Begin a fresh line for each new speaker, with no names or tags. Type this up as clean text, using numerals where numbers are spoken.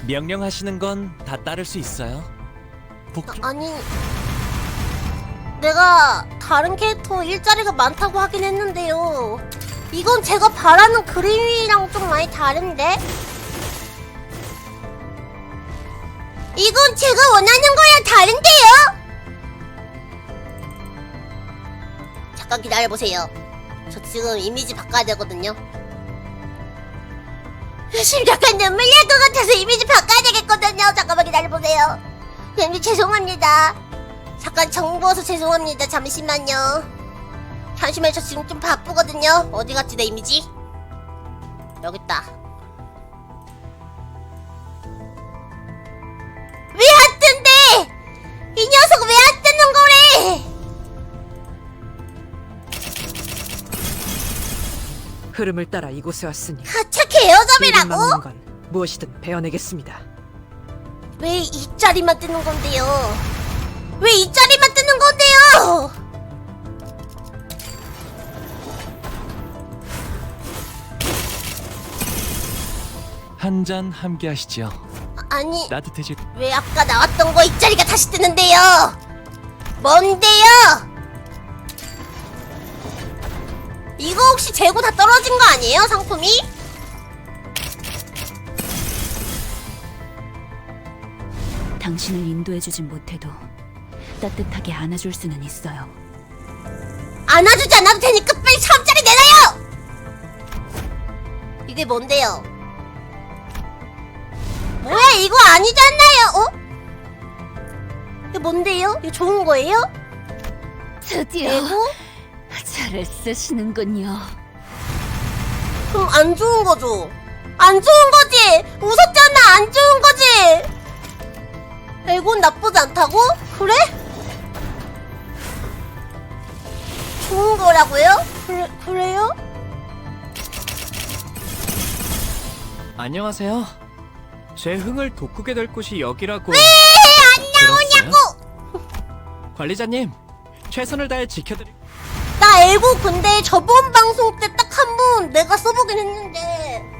명령하시는 건 다 따를 수 있어요.
아니, 내가 다른 캐릭터 일자리가 많다고 하긴 했는데요. 이건 제가 바라는 그림이랑 좀 많이 다른데? 이건 제가 원하는 거랑 다른데요? 잠깐 기다려보세요. 저 지금 이미지 바꿔야 되거든요. 지금 약간 눈물 날 것 같아서 이미지 바꿔야 되겠거든요. 잠깐만 기다려보세요. 님 죄송합니다. 잠깐 정보워서 죄송합니다. 잠시만요. 잠시만요. 저 지금 좀 바쁘거든요. 어디 갔지 내 이미지? 여기 있다. 왜 안 뜬대? 이 녀석 왜 안 뜨는 거래?
흐름을 따라 이곳에 왔으니
하차
길을
개여점이라고?
막는 건 무엇이든 베어내겠습니다.
왜 이 자리만 뜨는 건데요? 왜 이 자리만 뜨는 건데요?
한 잔 함께 하시죠.
아니,
따뜻해질.
왜 아까 나왔던 거 이 자리가 다시 뜨는데요? 뭔데요? 이거 혹시 재고 다 떨어진 거 아니에요, 상품이?
당신을 인도해주진 못해도 따뜻하게 안아줄 수는 있어요.
안아주지 않아도 되니까 빨리 3짜리 내놔요! 이게 뭔데요? 뭐야, 이거 아니잖아요, 어? 이게 뭔데요? 이거 좋은 거예요?
드디어
내고?
잘을 쓰시는군요.
그럼 안 좋은 거죠? 안 좋은 거지! 웃었잖아, 안 좋은 거지! 에곤 나쁘지 않다고? 그래? 좋은 거라고요? 그래요?
안녕하세요. 제 흥을 돋구게 될 곳이 여기라고.
왜 안 나오냐고!
관리자님, 최선을 다해 지켜드릴.
나 에고 근데 저번 방송 때 딱 한 번 내가 써보긴 했는데